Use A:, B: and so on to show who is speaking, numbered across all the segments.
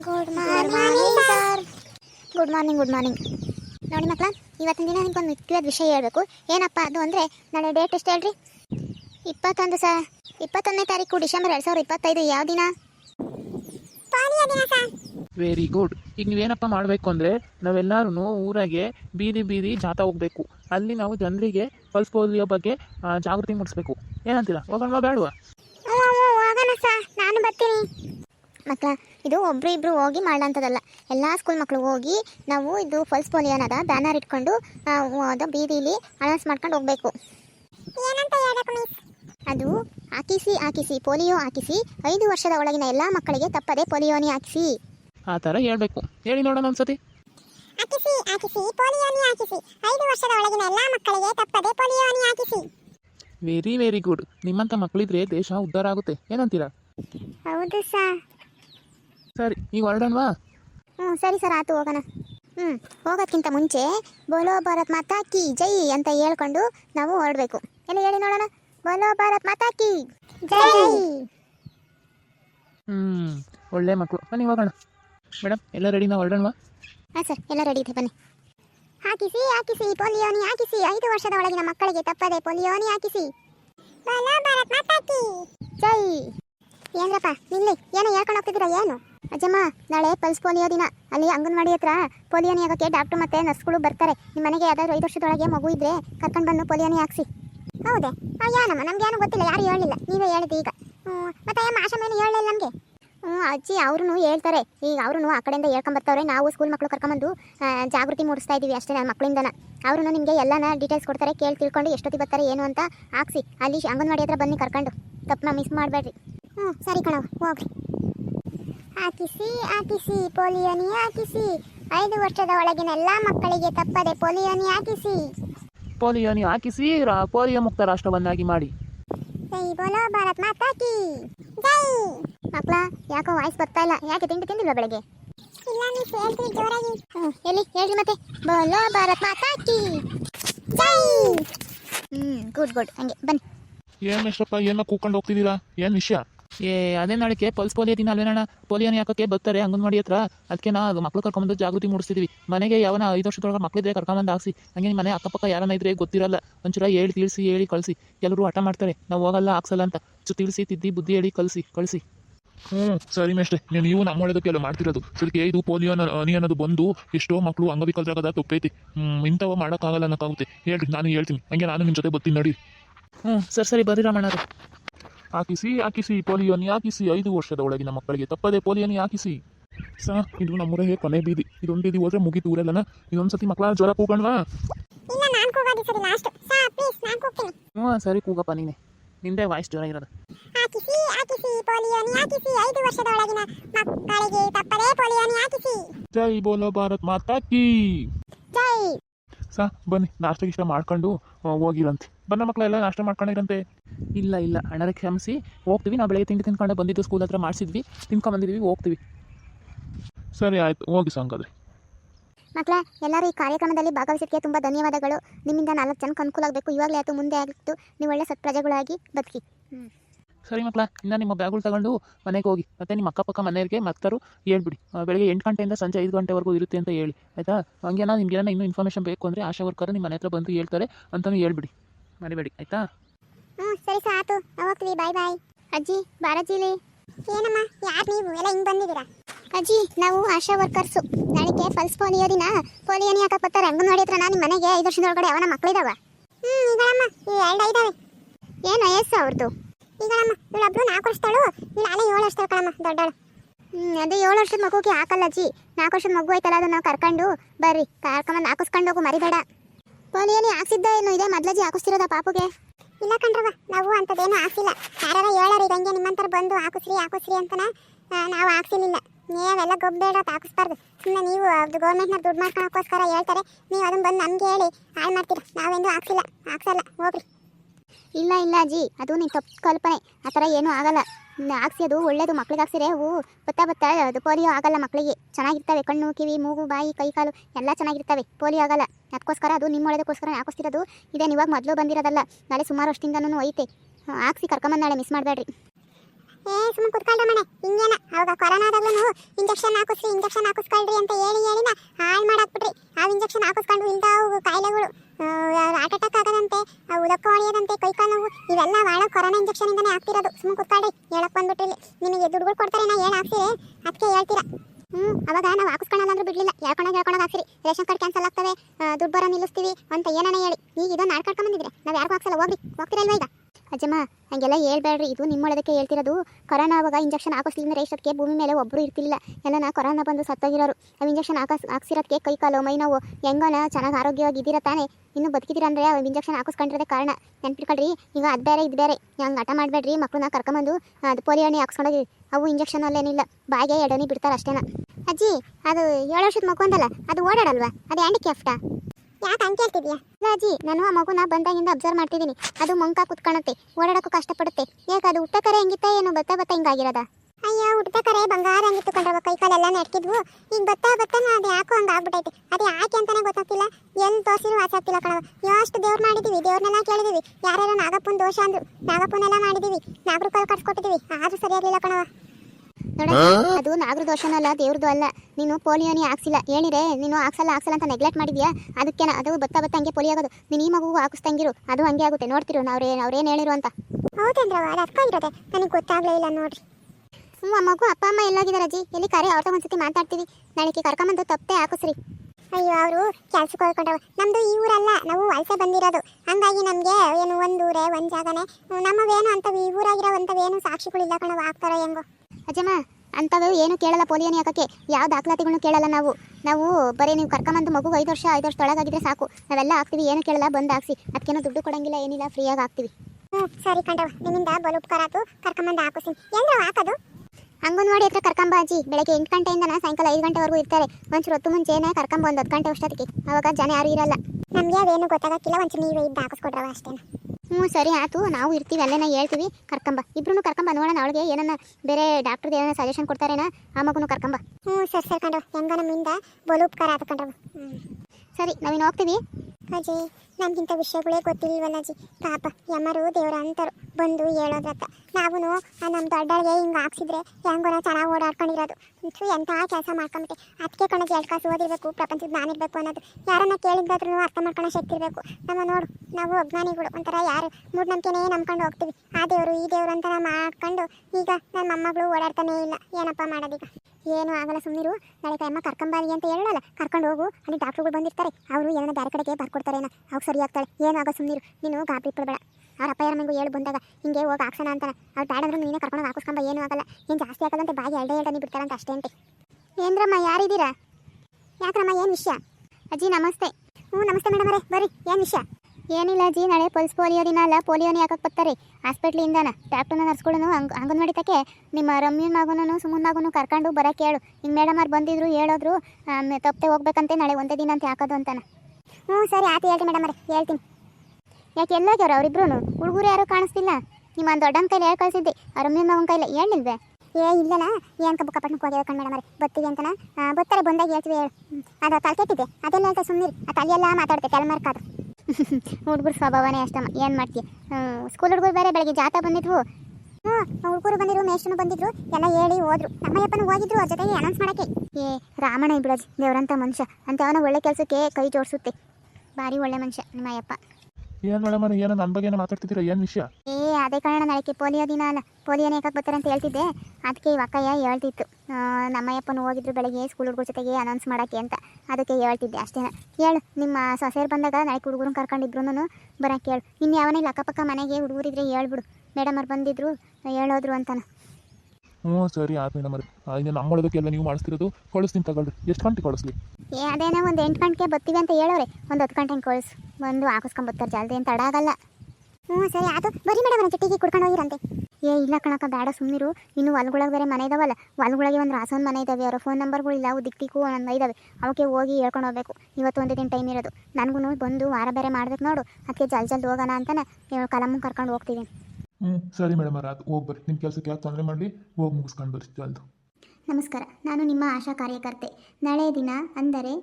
A: Good morning sir. Good morning ನೋಡಿ ಮಕ್ಕಳ, ಇವತ್ತಿನ ದಿನ ನಿಮ್ಗೊಂದು ಮುಖ್ಯವಾದ ವಿಷಯ ಹೇಳಬೇಕು. ಏನಪ್ಪ ಅದು ಅಂದರೆ, ನಾಳೆ ಡೇಟ್ ಎಷ್ಟು ಹೇಳ್ರಿ? 21 ಸರ್. 21ನೇ ತಾರೀಕು ಡಿಸೆಂಬರ್ 2025. ಯಾವ ದಿನ?
B: Very good. ಈಗ ನೀವೇನಪ್ಪ ಮಾಡಬೇಕು ಅಂದರೆ, ನಾವೆಲ್ಲರೂ ಊರಾಗೆ ಬೀದಿ ಜಾತಾ ಹೋಗಬೇಕು. ಅಲ್ಲಿ ನಾವು ಜನರಿಗೆ ಪಲ್ಸ್ ಪೋಲಿಯೋ ಬಗ್ಗೆ ಜಾಗೃತಿ ಮೂಡಿಸ್ಬೇಕು. ಏನಂತೀರಾ? ಹೋಗೋಣ ಬೇಡವಾ?
A: ಹೋಗೋಣ ಸರ್, ನಾನು ಬರ್ತೀನಿ. ಮಕ್ಕಳ, ಇದು ಒಬ್ರು ಇಬ್ರು ಹೋಗಿ ಮಾಡೋಂಥದ್ದಲ್ಲ. ಎಲ್ಲ ಸ್ಕೂಲ್ ಮಕ್ಕಳು ಹೋಗಿ ನಾವು ಇದು ಪಲ್ಸ್ ಪೋಲಿಯೋ ಅನ್ನೋದ ಬ್ಯಾನರ್ ಇಟ್ಕೊಂಡು ಅದು ಬೀದಿಲಿ ಅನೌನ್ಸ್ ಮಾಡ್ಕೊಂಡು ಹೋಗ್ಬೇಕು. ಅದು ಹಾಕಿಸಿ ಪೋಲಿಯೋ ಹಾಕಿಸಿ 5 ವರ್ಷದ ಒಳಗಿನ ಎಲ್ಲ ಮಕ್ಕಳಿಗೆ ತಪ್ಪದೆ ಪೋಲಿಯೋನಿ ಹಾಕಿಸಿ.
B: ಆ ಥರ ಹೇಳ್ಬೇಕು. ಹೇಳಿ ನೋಡೋಣ ಒಂದ್ಸತಿ.
A: ಹಾಕಿಸಿ ಪೋಲಿಯೋನಿ ಹಾಕಿಸಿ 5 ವರ್ಷದ ಒಳಗಿನ ಎಲ್ಲ ಮಕ್ಕಳಿಗೆ ತಪ್ಪದೆ ಪೋಲಿಯೋನಿ ಹಾಕಿಸಿ.
B: Very good. ನಿಮ್ಮಂಥ ಮಕ್ಕಳಿದ್ರೆ ದೇಶ ಉದ್ಧಾರ ಆಗುತ್ತೆ. ಏನಂತೀರಾ?
A: ಹೌದು ಸರ್.
B: ಸರಿ, ಈಗ ಹೊರಡೋಣವಾ?
A: ಸರಿ ಸರ್, ಆಯ್ತು, ಹೋಗೋಣ. ಹೋಗೋಕ್ಕಿಂತ ಮುಂಚೆ ಬೋಲೋ ಭಾರತ್ ಮಾತಾ ಕಿ ಜೈ ಅಂತ ಹೇಳ್ಕೊಂಡು ನಾವು ಹೊರಡಬೇಕು. ಎಲ್ಲ ಹೇಳಿ ನೋಡೋಣ. ಬೋಲೋ ಭಾರತ್ ಮಾತಾ ಕಿ ಜೈ.
B: ಒಳ್ಳೆ ಮಕ್ಕಳು. ಬನ್ನಿ ಹೋಗೋಣ. ಮೇಡಮ್, ಎಲ್ಲ ರೆಡಿನಾ? ಹೊರಡೋಣವಾ?
A: ಹಾಂ ಸರ್, ಎಲ್ಲ ರೆಡಿ ಇದೆ, ಬನ್ನಿ. ಹಾಕಿಸಿ ಪೋಲಿಯೋನಿ ಹಾಕಿಸಿ 5 ವರ್ಷದ ಒಳಗಿನ ಮಕ್ಕಳಿಗೆ ತಪ್ಪದೆ ಪೋಲಿಯೋನಿ ಹಾಕಿಸಿ. ಬೋಲೋ ಭಾರತ್ ಮಾತಾ ಕಿ ಜೈ. ಏನ್ರಪ್ಪ ನಿಲ್ಲಿ, ಏನೋ ಹೇಳ್ಕೊಂಡು ಹೋಗ್ತಿದ್ದೀರಾ? ಏನು ಅಜ್ಜಮ್ಮ, ನಾಳೆ ಪಲ್ಸ್ ಪೋಲಿಯೋ ದಿನ. ಅಲ್ಲಿ ಅಂಗನವಾಡಿ ಹತ್ರ ಪೋಲಿಯೋನಿ ಆಗೋಕ್ಕೆ ಡಾಕ್ಟ್ರು ಮತ್ತು ನರ್ಸ್ಗಳು ಬರ್ತಾರೆ. ನಿಮ್ಮ ಮನೆಗೆ ಯಾವ್ದಾದ್ರು 5 ವರ್ಷದೊಳಗೆ ಮಗು ಇದ್ದರೆ ಕರ್ಕೊಂಡು ಬಂದು ಪೋಲಿಯೋನಿ ಹಾಕ್ಸಿ. ಹೌದೇ? ಏನಮ್ಮ, ನಮ್ಗೆ ಏನೂ ಗೊತ್ತಿಲ್ಲ, ಯಾರು ಹೇಳಲಿಲ್ಲ, ನೀವೇ ಹೇಳಿದ್ದು ಈಗ. ಮತ್ತೆ ಅಮ್ಮ ಆಶಾ ಮೇಲೆ ಹೇಳಲಿಲ್ಲ ನಮಗೆ. ಅಜ್ಜಿ ಅವ್ರೂ ಹೇಳ್ತಾರೆ. ಈಗ ಅವ್ರೂ ಆ ಕಡೆಯಿಂದ ಹೇಳ್ಕೊಂಬರ್ತಾವ್ರೆ. ನಾವು ಸ್ಕೂಲ್ ಮಕ್ಕಳು ಕರ್ಕೊಂಬಂದು ಜಾಗೃತಿ ಮೂಡಿಸ್ತಾ ಇದ್ದೀವಿ ಅಷ್ಟೇ, ನನ್ನ ಮಕ್ಕಳಿಂದನ. ಅವ್ರೂ ನಿಮಗೆ ಎಲ್ಲನ ಡೀಟೇಲ್ಸ್ ಕೊಡ್ತಾರೆ. ಕೇಳಿ ತಿಳ್ಕೊಂಡು ಎಷ್ಟೊತ್ತಿಗೆ ಬರ್ತಾರೆ ಏನು ಅಂತ ಹಾಕ್ಸಿ. ಅಲ್ಲಿ ಅಂಗನವಾಡಿ ಹತ್ರ ಬನ್ನಿ ಕರ್ಕೊಂಡು. ತಪ್ಪನ್ನ ಮಿಸ್ ಮಾಡಬೇಡ್ರಿ. ಸರಿ ಕಣವ, ಹೋಗ್ರಿ. ಹಾಕಿಸಿ ಪೋಲಿಯೋನಿ ಹಾಕಿಸಿ 5 ವರ್ಷದ ಒಳಗಿನ ಎಲ್ಲ ಮಕ್ಕಳಿಗೆ ತಪ್ಪದೆ ಪೋಲಿಯೋನಿ ಹಾಕಿಸಿ.
B: ಪೋಲಿಯೋನಿ ಹಾಕಿಸಿ ಪೋಲಿಯೋ ಮುಕ್ತ ರಾಷ್ಟ್ರವನ್ನಾಗಿ ಮಾಡಿ.
A: ಜೈ ಬೋಲೋ ಭಾರತ್ ಮಾತಾ ಕಿ ಜೈ. ಮಕ್ಕಳ, ಯಾಕೋ ವಾಯ್ಸ್ ಬರ್ತಾ ಇಲ್ಲ? ಯಾಕೆ ತಿಂದಿಲ್ವಾ ಬೆಳಗ್ಗೆ? ಇಲ್ಲ, ನೀವು ಹೇಳ್ತೀವಿ ಜೋರಾಗಿ. ಎಲ್ಲಿ ಹೇಳ್ರಿ ಮತ್ತೆ. ಬೋಲೋ ಭಾರತ್ ಮಾತಾ ಕಿ ಜೈ. ಗುಡ್ ಹಂಗೆ ಬನ್ನಿ.
B: ಏನು ಎಷ್ಟಪ್ಪ, ಏನೋ ಕೂಕೊಂಡು ಹೋಗ್ತಿದ್ದೀರಾ? ಏನು ವಿಷಯ? ಅದೇ ನಾಳೆಗೆ ಪಲ್ಸ್ ಪೋಲಿಯೋ ದಿನ ಅಲ್ವೇನಣ್ಣ? ಪೋಲಿಯೋನಿ ಹಾಕೋಕ್ಕೆ ಬರ್ತಾರೆ ಅಂಗನವಾಡಿ ಹತ್ರ. ಅದಕ್ಕೆ ನಾವು ಮಕ್ಕಳು ಕರ್ಕೊಂಬಂದು ಜಾಗೃತಿ ಮೂಡಿಸ್ತಿದ್ವಿ. ಮನೆಗೆ ಯಾವನ 5 ವರ್ಷದೊಳಗೆ ಮಕ್ಕಳಿದ್ರೆ ಕರ್ಕೊಂಬಂದು ಹಾಕ್ಸಿ. ಹಂಗೆ ನಿಮ್ಮ ಮನೆ ಅಕ್ಕಪಕ್ಕ ಯಾರನ್ನ ಇದ್ರೆ ಗೊತ್ತಿರಲ್ಲ, ಒಂಚೂರ ಹೇಳಿ ಕಳಿಸಿ. ಕೆಲವರು ಹಠ ಮಾಡ್ತಾರೆ, ನಾವು ಹೋಗಲ್ಲ ಹಾಕ್ಸಲ್ಲ ಅಂತ. ತಿಳಿಸಿ ತಿದ್ದಿ ಬುದ್ಧಿ ಹೇಳಿ ಕಳಿಸಿ. ಸರಿ ಮೇಷ್ಟ್ರೆ, ನೀವು ನಮ್ಮ ಒಳ್ಳೆದಕ್ಕೆಲ್ಲ ಮಾಡ್ತಿರೋದು. ಸರಿಗೆ ಇದು ಪೋಲಿಯೋ ಹನಿ ಅನ್ನೋದು ಬಂದು ಎಷ್ಟೋ ಮಕ್ಕಳು ಅಂಗವಿಕಲರಾಗದ ತಪ್ಪೈತಿ. ಇಂಥವ ಮಾಡೋಕ್ಕಾಗಲ್ಲ ಅನ್ನೋಕ್ಕಾಗುತ್ತೆ. ಹೇಳ್ರಿ, ನಾನು ಹೇಳ್ತೀನಿ. ಹಂಗೆ ನಾನು ನಿಮ್ಮ ಜೊತೆ ಬರ್ತೀನಿ ನೋಡಿ. ಸರಿ ಬರ್ರಿ ರಾಮಣ್ಣರು. ಹಾಕಿಸಿ ಪೋಲಿಯೋನಿ ಹಾಕಿಸಿ 5 ವರ್ಷದ ಒಳಗಿನ ಮಕ್ಕಳಿಗೆ ತಪ್ಪದೆ ಪೋಲಿಯೋನಿ ಹಾಕಿಸಿ. ಇದು ನಮ್ಮೂರೇ ಕೊನೆ ಬೀದಿ. ಇದೊಂದು ಬೀದಿ ಹೋದ್ರೆ ಮುಗೀತು ಊರೆಲ್ಲನ. ಇದೊಂದ್ಸತಿ ಮಕ್ಕಳ ಜ್ವರ ಕೂಗಣ್ವಾ? ಸರಿ ಕೂಗಪ್ಪ ನೀನೆ. ನಿಂದೆ ವಾಯ್ಸ್ ಜ್ವರ ಇರೋದು.
A: ಹಾಕಿಸಿ ಪೋಲಿಯೋನಿ ಹಾಕಿಸಿ 5 ವರ್ಷದ ಒಳಗಿನ ಮಕ್ಕಳಿಗೆ ತಪ್ಪದೆ ಪೋಲಿಯೋನಿ ಹಾಕಿಸಿ.
B: ಜೈ ಬೋಲೋ ಭಾರತ್ ಮಾತಾ ಕಿ
A: ಜೈ.
B: ಬನ್ನಿ, ನಾಷ್ಟ ಮಾಡ್ಕೊಂಡು ಹೋಗಿರಂತೆ. ಬನ್ನ ಮಕ್ಕಳೆಲ್ಲ ನಾಷ್ಟ ಮಾಡ್ಕೊಂಡಿರಂತೆ. ಇಲ್ಲ ಅಣ್ಣರ ಕ್ಷಮಿಸಿ, ಹೋಗ್ತೀವಿ. ನಾವು ಬೆಳಗ್ಗೆ ತಿಂದ್ಕೊಂಡು ಬಂದಿದ್ದು ಸ್ಕೂಲ್ ಹತ್ರ ಮಾಡಿಸಿದ್ವಿ, ತಿನ್ಕೊಂಡ್ಬಂದಿದ್ದೀವಿ, ಹೋಗ್ತೀವಿ. ಸರಿ ಆಯ್ತು, ಹೋಗಿ ಸಂಗಾದ್ರೆ.
A: ಮಕ್ಕಳ, ಎಲ್ಲರೂ ಈ ಕಾರ್ಯಕ್ರಮದಲ್ಲಿ ಭಾಗವಹಿಸಿದ್ದಕ್ಕೆ ತುಂಬ ಧನ್ಯವಾದಗಳು. ನಿಮ್ಮಿಂದ 4 ಜನಕ್ಕೆ ಅನುಕೂಲ ಆಗಬೇಕು. ಇವಾಗಲೇ ಆಯಿತು, ಮುಂದೆ ಆಗಿತ್ತು. ನೀವು ಒಳ್ಳೆ ಸತ್ಪ್ರಜೆಗಳಾಗಿ ಬದುಕಿ.
B: ಸರಿ ಮಕ್ಕಳ, ಇನ್ನು ನಿಮ್ಮ ಬ್ಯಾಗುಗಳು ತಗೊಂಡು ಮನೆಗೆ ಹೋಗಿ. ಮತ್ತು ನಿಮ್ಮ ಅಕ್ಕಪಕ್ಕ ಮನೆಯವರಿಗೆ ಮಕ್ಕಳು ಹೇಳ್ಬಿಡಿ, ಬೆಳಗ್ಗೆ 8 ಗಂಟೆಯಿಂದ ಸಂಜೆ 5 ಗಂಟೆವರೆಗೂ ಇರುತ್ತೆ ಅಂತ ಹೇಳಿ, ಆಯಿತಾ? ಹಂಗೇನೋ ನಿಮ್ಗೆ ಏನೋ ಇನ್ನೂ ಇನ್ಫಾರ್ಮೇಷನ್ ಬೇಕು ಅಂದರೆ ಆಶಾ ವರ್ಕರ್ ನಿಮ್ಮ ಮನೆ ಹತ್ರ ಬಂದು ಹೇಳ್ತಾರೆ ಅಂತಲೂ ಹೇಳ್ಬಿಡಿ, ಮರಿಬೇಡಿ, ಆಯಿತಾ?
A: ಸರಿ ಸರ್, ಆಯ್ತು, ನಾವು ಹೋಗ್ತೀವಿ. ಬಾಯ್. ಅಜ್ಜಿ ಬಾರಜ್ಜಿಲಿ. ಏನಮ್ಮ, ಯಾರು ನೀವು ಎಲ್ಲ ಹಿಂಗೆ ಬಂದಿದ್ದೀರಾ? ಅಜ್ಜಿ, ನಾವು ಆಶಾ ವರ್ಕರ್ಸು. ನಾಳೆಗೆ ಪಲ್ಸ್ ಪೋಲಿಯೋ ದಿನ ಪೋಲಿಯೋನಿ ಹಾಕಕ್ಕೆ ಬರ್ತಾರೆ ಅಂಗನವಾಡಿ ಹತ್ರ. ನಿಮ್ಮ ಮನೆಗೆ 5 ವರ್ಷದೊಳಗಡೆ ಯಾವನ ಮಕ್ಕಳಿದಾವ? ಈಗಳಮ್ಮ, 2 ಇದ್ದಾವೆ. ಏನು ವಯಸ್ಸು ಅವ್ರದ್ದು? ಈಗಳಮ್ಮ, ಇವಳೊಬ್ಳು 4 ವರ್ಷದಳು, ಇವಳು 7 ವರ್ಷದಳು ಕಣಮ್ಮ, ದೊಡ್ಡಳು. ಅದೇ 7 ವರ್ಷದ ಮಗುಗೆ ಹಾಕಲ್ಲ ಅಜ್ಜಿ. 4 ವರ್ಷದ ಮಗು ಐತಲ್ಲ, ಅದನ್ನು ನಾವು ಕರ್ಕೊಂಡು ಬರ್ರಿ, ಕರ್ಕೊಂಬಂದು ಹಾಕಿಸ್ಕೊಂಡು ಹೋಗು, ಮರಿಬೇಡ. ಪೋಲಿಯೋನಿ ಹಾಕ್ಸಿದ್ದ ಏನು ಇದೆ ಮೊದ್ಲಜ್ಜಿ ಹಾಕಿಸ್ತಿರೋದ ಪಾಪುಗೆ? ಇಲ್ಲ ಕಣ್ರವ, ನಾವು ಅಂಥದ್ದೇನು ಹಾಕ್ಸಿಲ್ಲ. ಯಾರು ಹೇಳೋರು ಇದಂಗೆ ನಿಮ್ಮಂತರ ಬಂದು ಹಾಕಿಸ್ರಿ ಅಂತನ ನಾವು ಹಾಕ್ಸಿಲಿಲ್ಲ. ನೀವೆಲ್ಲ ಗೊಬ್ಬಬೇಡ ಹಾಕಿಸ್ಬಾರ್ದು. ಸುಮ್ಮನೆ ನೀವು ಗೌರ್ಮೆಂಟ್ನ ದುಡ್ಡು ಮಾಡ್ಕೊಳಕ್ಕೋಸ್ಕರ ಹೇಳ್ತಾರೆ. ನೀವು ಅದನ್ನು ಬಂದು ನಮ್ಗೆ ಹೇಳಿ ಹಾಳು ಮಾಡ್ತೀರಾ. ನಾವೆಂದು ಹಾಕ್ಸಲ್ಲ, ಹೋಗ್ರಿ. ಇಲ್ಲ ಅಜ್ಜಿ, ಅದು ನೀನು ತಪ್ಪು ಕಲ್ಪನೆ. ಆ ಥರ ಏನೂ ಆಗಲ್ಲ. ಹಾಕ್ಸಿ, ಅದು ಒಳ್ಳೇದು. ಮಕ್ಳಿಗೆ ಹಾಕ್ಸಿರೆ ಅವು ಬತ್ತಾ ಅದು ಪೋಲಿಯೋ ಆಗಲ್ಲ. ಮಕ್ಕಳಿಗೆ ಚೆನ್ನಾಗಿರ್ತವೆ, ಕಣ್ಣು ಕಿವಿ ಮೂಗು ಬಾಯಿ ಕೈ ಕಾಲು ಎಲ್ಲ ಚೆನ್ನಾಗಿರ್ತವೆ. ಪೋಲಿಯೋ ಆಗಲ್ಲ. ಅದಕ್ಕೋಸ್ಕರ ಅದು ನಿಮ್ಮ ಒಳ್ಳೇದಕ್ಕೋಸ್ಕರ ಹಾಕಿಸ್ತಿರೋದು. ಇದೇನು ಇವಾಗ ಮೊದಲು ಬಂದಿರೋದಲ್ಲ, ನಾಳೆ ಸುಮಾರು ವರ್ಷದಿಂದನೂ ಐತೆ. ಹಾಕ್ಸಿ ಕರ್ಕೊಂಬಂದು ನಾಳೆ ಮಿಸ್ ಮಾಡಬೇಡ್ರಿ. ಸುಮ್ಮನೆ ಕುತ್ಕೊಳ್ರಿ ಮನೆ ಹಿಂಗೇನ ಅವಾಗ ಕೊರೋನಾದಾಗ್ಲೂ ಇಂಜೆಕ್ಷನ್ ಹಾಕಿಸ್ಕೊಳ್ರಿ ಅಂತ ಹೇಳಿನ ಹಾಳು ಮಾಡಾಕ್ಬಿಟ್ರಿ. ಆ ಇಂಜೆಕ್ಷನ್ ಹಾಕಿಸ್ಕೊಂಡು ಇಲ್ದಾವು ಕಾಯಿಲೆಗಳು ಹಾರ್ಟ್ ಅಟ್ಯಾಕ್ ಆಗದಂತೆ, ಉದಕ್ಕ ಹೊಳೆಯದಂತೆ, ಕೈಕಾಲು ನೋವು ಇವೆಲ್ಲ ಭಾಳ ಕೊರೋನಾ ಇಂಜೆಕ್ಷನ್ ಇಂದಾನೆ ಆಗ್ತಿರೋದು. ಸುಮ್ಮನೆ ಕುತ್ಕೊಳ್ರಿ, ಹೇಳಕ್ ಬಂದ್ಬಿಟ್ರಿ. ನಿಮಗೆ ದುಡ್ಡುಗಳು ಕೊಡ್ತಾರೆ ನಾ ಹೇಳಿ ಹಾಕ್ಸಿರಿ, ಅದಕ್ಕೆ ಹೇಳ್ತೀರಾ. ಅವಾಗ ನಾವು ಹಾಕಿಸ್ಕೊಳ್ಳಲ್ಲ ಅಂದ್ರೆ ಬಿಡ್ಲಿಲ್ಲ, ಹೇಳ್ಕೊಂಡಾಗ ಹಾಕ್ಸಿರಿ. ರೇಷನ್ ಕಾರ್ಡ್ ಕ್ಯಾನ್ಸಲ್ ಆಗ್ತವೆ, ದುಡ್ಡು ಬರೋ ನಿಲ್ಲಿಸ್ತೀವಿ ಅಂತ ಏನಾನ ಹೇಳಿ ಈಗ ಇದೊಂದು ನಾಡ್ ಕಟ್ಕೊಂಡ್ಬಂದಿದ್ರೆ ನಾವು ಯಾರಿಗೂ ಹಾಕ್ಸಲ್ಲ. ಹೋಗ್ತಿರಲ್ವಾ ಈಗ? ಅಜ್ಜಮ್ಮ ಹಂಗೆಲ್ಲ ಹೇಳ್ಬೇಡ್ರಿ, ಇದು ನಿಮ್ಮ ಒಳದಕ್ಕೆ ಹೇಳ್ತಿರೋದು. ಕೊರೋನಾ ಅವಾಗ ಇಂಜೆಕ್ಷನ್ ಹಾಕಿಸ್ಲಿಂದ್ರೆ ಇಷ್ಟಕ್ಕೆ ಭೂಮಿ ಮೇಲೆ ಒಬ್ಬರು ಇರ್ತಿಲ್ಲ, ಎಲ್ಲ ಕೊರೋನಾ ಬಂದು ಸತ್ತೋಗಿರೋರು. ಆ ಇಂಜೆಕ್ಷನ್ ಹಾಕ್ಸಿರೋದಕ್ಕೆ ಕೈ ಕಾಲು ಮೈ ನೋವು ಹೆಂಗೋನ ಚೆನ್ನಾಗಿ ಆರೋಗ್ಯವಾಗಿ ಇದ್ದೀರ ತಾನೇ, ಇನ್ನೂ ಬದುಕಿದ್ದೀರ ಅಂದರೆ ಆ ಇಂಜೆಕ್ಷನ್ ಹಾಕಿಸ್ಕೊಂಡಿರೋದೇ ಕಾರಣ. ನೆನ್ಪಿಟ್ಕೊಳ್ರಿ, ಈಗ ಅದು ಬೇರೆ ಇದು ಬೇರೆ, ಹಂಗೆ ಹಠ ಮಾಡಬೇಡ್ರಿ. ಮಕ್ಕಳನ್ನ ಕರ್ಕೊಂಬಂದು ಅದು ಪೋಲಿಯೋ ಹಣ್ಣಿ ಹಾಕ್ಸ್ಕೊಂಡೋಗಿ, ಅವು ಇಂಜೆಕ್ಷನ್ ಅಲ್ಲೇನಿಲ್ಲ, ಬಾಯಿಗೆ ಎಡನಿ ಬಿಡ್ತಾರೆ ಅಷ್ಟೇನ. ಅಜ್ಜಿ ಅದು 7 ವರ್ಷದ ಮಗು ಅಂದಲ್ಲ, ಅದು ಓಡಾಡಲ್ವಾ? ಅದು ಹ್ಯಾಂಡಿಕ್ಯಾಫ್ಟಾ? ಯಾಕೆ ಹಂಗೆ ಹೇಳ್ತಿದ್ಯಾ? ಇಲ್ಲ ಅಜ್ಜಿ, ನಾನು ಆ ಮಗುನ ಬಂದಾಗಿಂದ ಅಬ್ಸರ್ವ್ ಮಾಡ್ತಿದ್ದೀನಿ. ಅದು ಮಂಕ ಕುತ್ಕೊಳ್ಳುತ್ತೆ, ಓಡಾಡೋಕ್ಕೂ ಕಷ್ಟಪಡುತ್ತೆ. ಯಾಕೆ ಅದು ಹುಟ್ಟಕರೆ ಹೆಂಗಿತ್ತ ಏನೋ ಬತ್ತಾ ಹಿಂಗಾಗಿರೋದ? ಅಯ್ಯೋ ಹುಟ್ಟಕರೆ ಬಂಗಾರ ಹಂಗಿತ್ತು ಕಂಡ್ರವ, ಕೈ ಕಾಲೆಲ್ಲ ನೆಟ್ಕಿದ್ವು. ಈಗ ಬತ್ತಾ ಅದು ಯಾಕೋ ಹಂಗೆ ಆಗ್ಬಿಟ್ಟೈತೆ. ಅದು ಯಾಕೆ ಅಂತಾನೆ ಗೊತ್ತಾಗ್ತಿಲ್ಲ, ಎಲ್ಲಿ ತೋರಿಸಿದ್ರು ವಾಚಾಗ್ತಿಲ್ಲ ಕಣವ. ಎಷ್ಟು ದೇವ್ರು ಮಾಡಿದೀವಿ, ದೇವ್ರನ್ನೆಲ್ಲ ಕೇಳಿದೀವಿ. ಯಾರ್ಯಾರೋ ನಾಗಪ್ಪನ ದೋಷ ಅಂದ್ರು, ನಾಗಪ್ಪನೆಲ್ಲ ಮಾಡಿದೀವಿ, ನಾಗರು ಕಾಲು ಕಟ್ಸ್ಕೊಟ್ಟಿದೀವಿ, ಆದ್ರೂ ಸರಿಯಾಗಲಿಲ್ಲ ಕಣವ. ನೋಡ, ಅದು ನಾಗರ ದೋಷನಲ್ಲ, ದೇವ್ರದ್ದು ಅಲ್ಲ. ನೀನು ಪೋಲಿಯೋನಿ ಹಾಕ್ಸಿಲ್ಲ ಹೇಳಿರೆ, ನೀನು ಹಾಕ್ಸಲ್ಲ ಅಂತ ನೆಗ್ಲೆಕ್ಟ್ ಮಾಡಿದ್ಯಾ, ಅದಕ್ಕೇನ ಅದು ಬತ್ತಾ ಹಂಗೆ ಪೋಲಿಯೋ ಆಗೋದು. ನೀನು ಈ ಮಗುಗೂ ಹಾಕಿಸ್ತಂಗಿರು, ಅದು ಹಂಗೆ ಆಗುತ್ತೆ. ನೋಡ್ತಿರು ಅವ್ರೇನು ಹೇಳಿರು ಅಂತ. ಹೌದೇಂದ್ರವ, ಅದು ಅರ್ಥ ಇರೋದೆ, ನನಗೆ ಗೊತ್ತಾಗ್ಲೇ ಇಲ್ಲ ನೋಡ್ರಿ. ಆ ಮಗು ಅಪ್ಪ ಅಮ್ಮ ಎಲ್ಲೋಗಿದಾರ ಅಜ್ಜಿ? ಎಲ್ಲಿ ಕರೆ ಅವ್ರ ಒಂದ್ಸತಿ ಮಾತಾಡ್ತೀವಿ. ನಾಳೆಗೆ ಕರ್ಕೊಂಬಂದು ತಪ್ಪೆ ಹಾಕಿಸ್ರಿ. ಅಯ್ಯೋ ಅವರು ಕೆಲ್ಸಕ್ಕೆ ಹೋಗ್ಕೊಂಡ್ರವ. ನಮ್ದು ಈ ಊರಲ್ಲ, ನಾವು ವಲಸೆ ಬಂದಿರೋದು. ಹಂಗಾಗಿ ನಮಗೆ ಏನು ಒಂದೂರೇ ಒಂದು ಜಾಗನೇ. ನಮ್ಮವೇನು ಅಂತವು ಈ ಊರಾಗಿರೋವಂಥವೇನು ಸಾಕ್ಷಿಗಳಿಲ್ಲ ಕಣವ, ಆಗ್ತಾರೋ ಹೆಂಗೋ. ಅಜ್ಜಮ್ಮ ಅಂಥವು ಏನು ಕೇಳಲ್ಲ ಪೋಲಿಯೋನಿ ಹಾಕೋಕ್ಕೆ, ಯಾವ ದಾಖಲಾತಿಗಳನ್ನು ಕೇಳಲ್ಲ ನಾವು ಬರೀ ನೀವು ಕರ್ಕೊಂಬಂದು ಮಗು 5 ವರ್ಷದೊಳಗಾಗಿದ್ರೆ ಸಾಕು, ನಾವೆಲ್ಲ ಹಾಕ್ತೀವಿ, ಏನು ಕೇಳಲ್ಲ, ಬಂದು ಹಾಕ್ಸಿ. ಅದಕ್ಕೇನೋ ದುಡ್ಡು ಕೊಡಂಗಿಲ್ಲ, ಏನಿಲ್ಲ, ಫ್ರೀಯಾಗಿ ಹಾಕ್ತೀವಿ. ಸರಿ ಕಂಡವ, ನಿಮ್ಮಿಂದ ಬಲು ಉಪಕಾರ ಆಯ್ತು. ಕರ್ಕೊಂಬಂದು ಹಾಕಿಸಿ. ಎಲ್ಲರೂ ಹಾಕೋದು ಅಂಗನವಾಡಿ ಹತ್ರ ಕರ್ಕೊಂಬ ಅಜ್ಜಿ. ಬೆಳಗ್ಗೆ 8 ಗಂಟೆಯಿಂದ ಸಾಯಂಕಾಲ 5 ಗಂಟೆವರೆಗೂ ಇರ್ತಾರೆ. ಒಂಚೂರು ಹೊತ್ತು ಮುಂಚೆನೇ ಕರ್ಕೊಂಬಂದು 10 ಗಂಟೆ ಅಷ್ಟೊತ್ತಿಗೆ, ಅವಾಗ ಜನ ಯಾರು ಇರಲ್ಲ. ನಮಗೆ ಅದೇನು ಗೊತ್ತಾಗಕ್ಕಿಲ್ಲ, ಒಂಚೂರು ನೀವೇ ಇದ್ದು ಹಾಕಿಸ್ಕೊಡ್ರವ ಅಷ್ಟೇನ. ಸರಿ ಆಯ್ತು, ನಾವು ಇರ್ತೀವಿ, ಅಲ್ಲೇನ ಹೇಳ್ತೀವಿ. ಕರ್ಕೊಂಬ, ಇಬ್ರು ಕರ್ಕೊಂಬ, ನೋಡೋಣ ಅವಳಿಗೆ ಏನನ್ನ ಬೇರೆ ಡಾಕ್ಟರ್ದು ಏನನ್ನ ಸಜೆಷನ್ ಕೊಡ್ತಾರೇನ, ಆ ಮಗುನು ಕರ್ಕೊಂಬ. ಸರಿ ಕಂಡ್ರವ, ಹೆಂಗ ನಮ್ಮಿಂದ ಬೋಲು ಉಪಕಾರ ಆತ ಕಂಡ್ರವ. ಸರಿ, ನಾವಿನ್ನು ಹೋಗ್ತೀವಿ. ಅಜ್ಜಿ ನಮ್ಗಿಂತ ವಿಷಯಗಳೇ ಗೊತ್ತಿಲ್ವಲ್ಲ ಅಜ್ಜಿ, ಪಾಪ ಯಮ್ಮರು ದೇವರ ಅಂತಾರು ಬಂದು ಹೇಳೋದ್ರತ್ತ. ನಾವು ನಮ್ಮ ದೊಡ್ಡಳಿಗೆ ಹಿಂಗೆ ಹಾಕ್ಸಿದ್ರೆ ಹೆಂಗೋನ ಚೆನ್ನಾಗಿ ಓಡಾಡ್ಕೊಂಡಿರೋದು. ಎಂಥ ಕೆಲಸ ಮಾಡ್ಕೊಂಬಿಟ್ಟೆ. ಅದಕ್ಕೆ ಕಣಜಿ 2 ಕಾಸು ಓದಿರಬೇಕು, ಪ್ರಪಂಚದ ನಾನಿರ್ಬೇಕು ಅನ್ನೋದು. ಯಾರನ್ನ ಕೇಳಿದ್ದಾದ್ರೂ ಅರ್ಥ ಮಾಡ್ಕೊಳ್ಳೋ ಶಕ್ತಿ ಇರಬೇಕು. ನೋಡು, ನಾವು ಅಜ್ಞಾನಿಗಳು, ಒಂಥರ ಯಾರು ಮೂಢನಂಬಿಕೆನೇ ನಂಬ್ಕೊಂಡು ಹೋಗ್ತೀವಿ. ಆ ದೇವರು ಈ ದೇವರು ಅಂತ ನಾವು ಮಾಡ್ಕೊಂಡು ಈಗ ನನ್ನ ಮೊಮ್ಮಗಳು ಓಡಾಡ್ತಾನೇ ಇಲ್ಲ. ಏನಪ್ಪ ಮಾಡೋದೀಗ? ಏನು ಆಗಲ್ಲ, ಸುಮ್ಮನಿರು. ನಾಳೆ ಅಮ್ಮ ಕರ್ಕೊಂಬಾರಿ ಅಂತ ಹೇಳಲ್ಲ, ಕರ್ಕೊಂಡು ಹೋಗು. ಅಲ್ಲಿ ಡಾಕ್ಟ್ರುಗಳು ಬಂದಿರ್ತಾರೆ, ಅವರು ಏನೋ ಬೇರೆ ಕಡೆಗೆ ಬರ್ಕೊಡ್ತಾರೇನ, ಅವಾಗ ಸರಿ ಆಗ್ತಾಳೆ. ಏನು ಆಗೋ, ಸುಮ್ಮನಿರು. ನೀನು ಗಾಬರಿ ಪಡಬೇಡ. ಅವ್ರ ಅಪ್ಪ ಯಾರ ಮನೆಗೂ ಹೇಳಿ ಬಂದಾಗ ಹಿಂಗೆ ಹೋಗಿ ಹಾಕ್ಸೋಣ ಅಂತಾನೆ. ಅವ್ರು ಬೇಡ ಅಂದ್ರೆ ನೀನೇ ಕರ್ಕೊಂಡು ಹಾಕಿಸ್ಕೊಂಬ, ಏನು ಆಗಲ್ಲ. ಏನು ಜಾಸ್ತಿ ಆಗಲ್ಲಂತೆ, ಬಾಗಿ ಎರಡೇ ಬಿಡ್ತಾರಂತ ಅಷ್ಟೇ ಅಂತೆ. ಏನ್ರಮ್ಮ, ಯಾರಿದ್ದೀರಾ? ಯಾಕ್ರಮ್ಮ, ಏನು ವಿಷಯ? ಅಜ್ಜಿ ನಮಸ್ತೆ. ನಮಸ್ತೆ ಮೇಡಮ್ ಅವರೇ, ಬರ್ರಿ. ಏನು ವಿಷಯ? ಏನಿಲ್ಲ ಅಜ್ಜಿ, ನಾಳೆ ಪಲ್ಸ್ ಪೋಲಿಯೋ ದಿನ ಅಲ್ಲ, ಪೋಲಿಯೋನಿ ಹಾಕಕ್ಕೆ ಬರ್ತಾರೆ ಹಾಸ್ಪಿಟ್ಲಿಂದಾನ. ಡಾಕ್ಟರ್ನ ನರ್ಸ್ಗಳನ್ನು ಅಂಗನವಾಡಿ ತಕ್ಕೆ ನಿಮ್ಮ ರಮ್ಯನ ಮಗುನೂ ಸುಮನ್ ಮಗುನೂ ಕರ್ಕೊಂಡು ಬರೋಕೆ ಹೇಳು. ಹಿಂಗೆ ಮೇಡಮ್ ಅವ್ರು ಬಂದಿದ್ರು, ಹೇಳಿದ್ರು ತಪ್ಪದೆ ಹೋಗ್ಬೇಕಂತೆ, ನಾಳೆ ಒಂದೇ ದಿನ ಅಂತ ಹಾಕೋದು ಅಂತಾನೆ. ಸರಿ ಆಯ್ತು, ಹೇಳ್ತೀನಿ ಮೇಡಮ್ ಅವರೇ, ಹೇಳ್ತೀನಿ. ಯಾಕೆ ಎಲ್ಲೋಗ್ಯವ್ರು ಅವರಿಬ್ರು? ಹುಡುಗರು ಯಾರು ಕಾಣಿಸ್ತಿಲ್ಲ. ನಿಮ್ಮ ದೊಡ್ಡನ ಕೈಲಿ ಹೇಳಿ ಕಳಿಸಿದ್ದೆ, ಆ ರಮ್ಯನ ಮಗನ ಕೈಲಿ ಹೇಳಿಲ್ವೇ? ಇಲ್ಲನಾ, ಏನು ಕಪ್ಪಟ್ಟಕ್ಕೆ ಹೋಗ್ಯಾವ ಕಣ್ ಮೇಡಮ್ ಅವರೇ, ಬರ್ತೀವಿ ಅಂತನ. ಬರ್ತಾರೆ, ಬಂದಾಗ ಹೇಳ್ತೀವಿ. ಹೇಳು. ಅದು ತಲೆ ಕೆಟ್ಟಿದ್ದೆ, ಅದೆಲ್ಲ ಹೇಳ್ತಾ ಸುಮ್ಮನಿರಿ. ಆ ತಲೆಯೆಲ್ಲ ಮಾತಾಡುತ್ತೆ, ತಲೆಮಾರ್ಕಾದ್ರು. ಹುಡುಗರು ಸ್ವಭಾವನೇ ಅಷ್ಟಮ್ಮ, ಏನು ಮಾಡ್ತೀಯ? ಸ್ಕೂಲ್ ಹುಡುಗರು ಬೇರೆ ಬೆಳಗ್ಗೆ ಜಾತ ಬಂದಿದ್ವು. ಹುಡುಗರು ಬಂದಿದ್ರು, ಮೇಷ್ಟ್ರು ಬಂದಿದ್ರು, ಎಲ್ಲ ಹೇಳಿ ಹೋದ್ರು. ನಮ್ಮಯ್ಯಪ್ಪನ ಹೋಗಿದ್ರು ಅವ್ರ ಜೊತೆಗೆ ಅನೌನ್ಸ್ ಮಾಡೋಕ್ಕೆ. ರಾಮಣ್ಣ ಬಿಡಜ್, ದೇವರಂತ ಮನುಷ್ಯ ಅಂತ, ಅವನ ಒಳ್ಳೆ ಕೆಲಸಕ್ಕೆ ಕೈ ಜೋಡಿಸುತ್ತೆ. ಭಾರಿ ಒಳ್ಳೆ ಮನುಷ್ಯ ನಿಮ್ಮಯ್ಯಪ್ಪ.
B: ಏನು ಮೇಡಮ್, ಏನೋ ನನ್ನ ಬಗ್ಗೆ ಮಾತಾಡ್ತಿದ್ದೀರಾ, ಏನು ವಿಷಯ?
A: ಅದೇ ಕಾರಣ, ನಾಳೆ ಪೋಲಿಯೋ ದಿನ ಅಲ್ಲ, ಪೋಲಿಯೋನೇ ಯಾಕಕ್ಕೆ ಬರ್ತಾರೆ ಅಂತ ಹೇಳ್ತಿದ್ದೆ. ಅದಕ್ಕೆ ಅಕ್ಕಯ್ಯ ಹೇಳ್ತಿತ್ತು, ನಮ್ಮಯ್ಯಪ್ಪನ ಹೋಗಿದ್ರು ಬೆಳಗ್ಗೆ ಸ್ಕೂಲ್ ಹುಡುಗರ ಜೊತೆಗೆ ಅನೌನ್ಸ್ ಮಾಡೋಕ್ಕೆ ಅಂತ. ಅದಕ್ಕೆ ಹೇಳ್ತಿದ್ದೆ ಅಷ್ಟೇ. ಹೇಳು, ನಿಮ್ಮ ಸೊಸೆಯರು ಬಂದಾಗ ನಾಳೆ ಹುಡುಗರು ಕರ್ಕೊಂಡಿಬ್ರು ಬರೋಕ್ಕೆ ಹೇಳು. ಇನ್ನು ಯಾವನೇ ಅಕ್ಕಪಕ್ಕ ಮನೆಗೆ ಹುಡುಗರಿದ್ರೆ ಹೇಳ್ಬಿಡು, ಮೇಡಮ್ ಅವ್ರು ಬಂದಿದ್ರು ಹೇಳೋದ್ರು ಅಂತಾನೆ.
B: ಸರಿ ಆಯ್ತು ಮೇಡಮ್ ಅವ್ರೆ, ಇನ್ನು ನಮ್ಮೊಳದಕ್ಕೆಲ್ಲ ನೀವು ಮಾಡಿಸ್ತಿರೋದು. ಕಳಿಸ್ತೀನಿ ತಗೊಳ್ರಿ. ಎಷ್ಟು ಗಂಟೆ ಕಳಿಸ್ಲಿ?
A: ಅದೇನೋ ಒಂದು 8 ಗಂಟೆಗೆ ಬರ್ತೀವಿ ಅಂತ ಹೇಳೋರೆ. ಒಂದು 10 ಗಂಟೆಗೆ ಕಳಿಸು, ಬಂದು ಹಾಕಿಸ್ಕೊಂಬರ್ತಾರೆ. ಜಲ್ದಿ ಏನು ತಡ ಆಗಲ್ಲ. ಸರಿ ಆಯ್ತು, ಬರೀ ಮೇಡಮ್ ಅವ್ರ ಟೀಗೆ ಕುಡ್ಕೊಂಡು ಹೋಗಿರಂತೆ. ಇಲ್ಲ ಕಣಕ್ಕ, ಬೇಡ ಸುಮ್ಮನಿರು. ಇನ್ನು ಹೊಲ್ಗೊಳಗೆ ಬೇರೆ ಮನೆ ಇದಾವಲ್ಲ, ಹೊಲ್ಗೊಳಗೆ ಒಂದು ರಾಸೊಂದು ಮನೆ ಇದ್ದಾವೆ. ಅವರ ಫೋನ್ ನಂಬರ್ಗಳಿಲ್ಲ, ಅವು ದಿಕ್ಕು ಒಂದು ಇದ್ದಾವೆ. ಅವಕ್ಕೆ ಹೋಗಿ ಹೇಳ್ಕೊಂಡು ಹೋಗ್ಬೇಕು. ಇವತ್ತು ಒಂದೇ ದಿನ ಟೈಮ್ ಇರೋದು. ನನಗೂ ಬಂದು ವಾರ ಬೇರೆ ಮಾಡ್ಬೇಕು ನೋಡು. ಅದಕ್ಕೆ ಜಲ್ದಿ ಹೋಗೋಣ ಅಂತಾನೆ ಕಲಮ್ಮ ಕರ್ಕೊಂಡು ಹೋಗ್ತೀವಿ.
B: ಸರಿ ಮೇಡಮ್ ಅವ್ರೆ, ಆಯ್ತು, ಹೋಗಿ ಬರ್ರಿ. ನಿಮ್ಮ ಕೆಲಸಕ್ಕೆ ಯಾಕೆ ತೊಂದರೆ ಮಾಡಲಿ, ಹೋಗಿ ಮುಗಿಸ್ಕೊಂಡು ಬರ್ರಿ ಜಲ್ದು.
A: ನಮಸ್ಕಾರ, ನಾನು ನಿಮ್ಮ ಆಶಾ ಕಾರ್ಯಕರ್ತೆ. ನಾಳೆ ದಿನ ಅಂದರೆ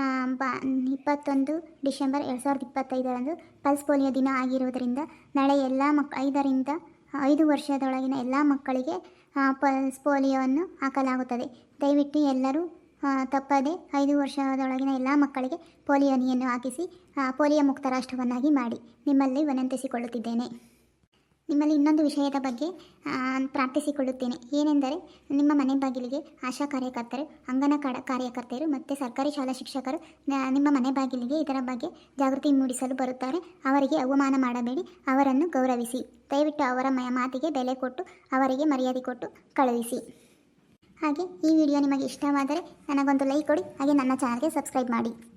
A: 21 ಡಿಸೆಂಬರ್ 2025 ಪಲ್ಸ್ ಪೋಲಿಯೋ ದಿನ ಆಗಿರುವುದರಿಂದ ನಾಳೆ ಎಲ್ಲ 5ರಿಂದ 5 ವರ್ಷದೊಳಗಿನ ಎಲ್ಲ ಮಕ್ಕಳಿಗೆ ಪಲ್ಸ್ ಪೋಲಿಯೋವನ್ನು ಹಾಕಲಾಗುತ್ತದೆ. ದಯವಿಟ್ಟು ಎಲ್ಲರೂ ತಪ್ಪದೆ 5 ವರ್ಷದೊಳಗಿನ ಎಲ್ಲ ಮಕ್ಕಳಿಗೆ ಪೋಲಿಯೋ ಹನಿಯನ್ನು ಹಾಕಿಸಿ ಪೋಲಿಯೋ ಮುಕ್ತ ರಾಷ್ಟ್ರವನ್ನಾಗಿ ಮಾಡಿ ನಿಮ್ಮಲ್ಲಿ ವಿನಂತಿಸಿಕೊಳ್ಳುತ್ತಿದ್ದೇನೆ. ನಿಮ್ಮಲ್ಲಿ ಇನ್ನೊಂದು ವಿಷಯದ ಬಗ್ಗೆ ಪ್ರಾರ್ಥಿಸಿಕೊಳ್ಳುತ್ತೇನೆ. ಏನೆಂದರೆ, ನಿಮ್ಮ ಮನೆ ಬಾಗಿಲಿಗೆ ಆಶಾ ಕಾರ್ಯಕರ್ತರು, ಕಾರ್ಯಕರ್ತೆಯರು ಮತ್ತು ಸರ್ಕಾರಿ ಶಾಲಾ ಶಿಕ್ಷಕರು ನಿಮ್ಮ ಮನೆ ಬಾಗಿಲಿಗೆ ಇದರ ಬಗ್ಗೆ ಜಾಗೃತಿ ಮೂಡಿಸಲು ಬರುತ್ತಾರೆ. ಅವರಿಗೆ ಅವಮಾನ ಮಾಡಬೇಡಿ, ಅವರನ್ನು ಗೌರವಿಸಿ. ದಯವಿಟ್ಟು ಅವರ ಮಾತಿಗೆ ಬೆಲೆ ಕೊಟ್ಟು ಅವರಿಗೆ ಮರ್ಯಾದೆ ಕೊಟ್ಟು ಕಳುಹಿಸಿ. ಹಾಗೆ ಈ ವಿಡಿಯೋ ನಿಮಗೆ ಇಷ್ಟವಾದರೆ ನನಗೊಂದು ಲೈಕ್ ಕೊಡಿ. ಹಾಗೆ ನನ್ನ ಚಾನಲ್ಗೆ ಸಬ್ಸ್ಕ್ರೈಬ್ ಮಾಡಿ.